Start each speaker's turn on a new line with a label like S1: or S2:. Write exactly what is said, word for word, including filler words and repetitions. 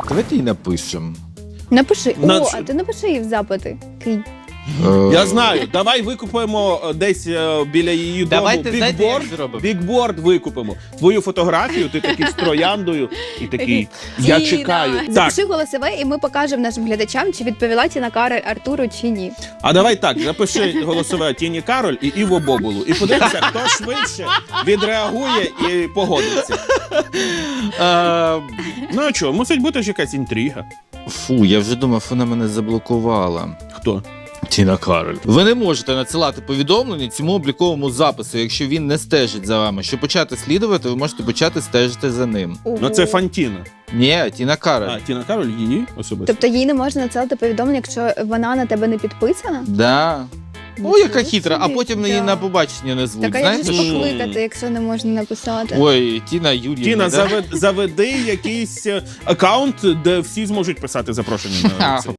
S1: Давайте їй напишемо.
S2: Напиши.
S3: На-
S2: О, а ти напиши їй в запити. Кинь.
S3: Я знаю, давай викупимо е, десь е, біля її
S1: Давайте,
S3: дому
S1: знаєте, як
S3: бікборд,
S1: зробимо?
S3: бікборд викупимо. Твою фотографію, ти такий з трояндою і такий, я
S2: Тіна.
S3: чекаю. Так,
S2: Запиши голосове, і ми покажемо нашим глядачам, чи відповіла Тіна Кароль Артуру, чи ні.
S3: а давай так, запиши голосове Тіні Кароль і Іво Бобулу. І подивимося, хто швидше відреагує і погодиться.
S1: Е,
S3: Ну а що, мусить бути ж якась інтрига.
S1: Фу, я вже думав, вона мене заблокувала.
S3: Хто?
S1: Тіна Кароль. Ви не можете надсилати повідомлення цьому обліковому запису, якщо він не стежить за вами. Щоб почати слідувати, ви можете почати стежити за ним.
S3: Ну це Фантіна.
S1: Ні, Тіна Кароль.
S3: А, Тіна Кароль її особисто.
S2: Тобто їй не можна надсилати повідомлення, якщо вона на тебе не підписана?
S1: Да. О,
S2: Нічого
S1: яка хитра, а
S2: собі.
S1: потім її
S2: Да.
S1: на побачення не звуть.
S2: Так а як же
S1: Знаєте,
S2: ж
S1: що?
S2: покликати, якщо не можна написати?
S1: Ой, Тіна Юріївна.
S3: Тіна,
S1: да?
S3: завед, заведи якийсь е, аккаунт, де всі зможуть писати запрошення на
S1: Ха.
S3: це.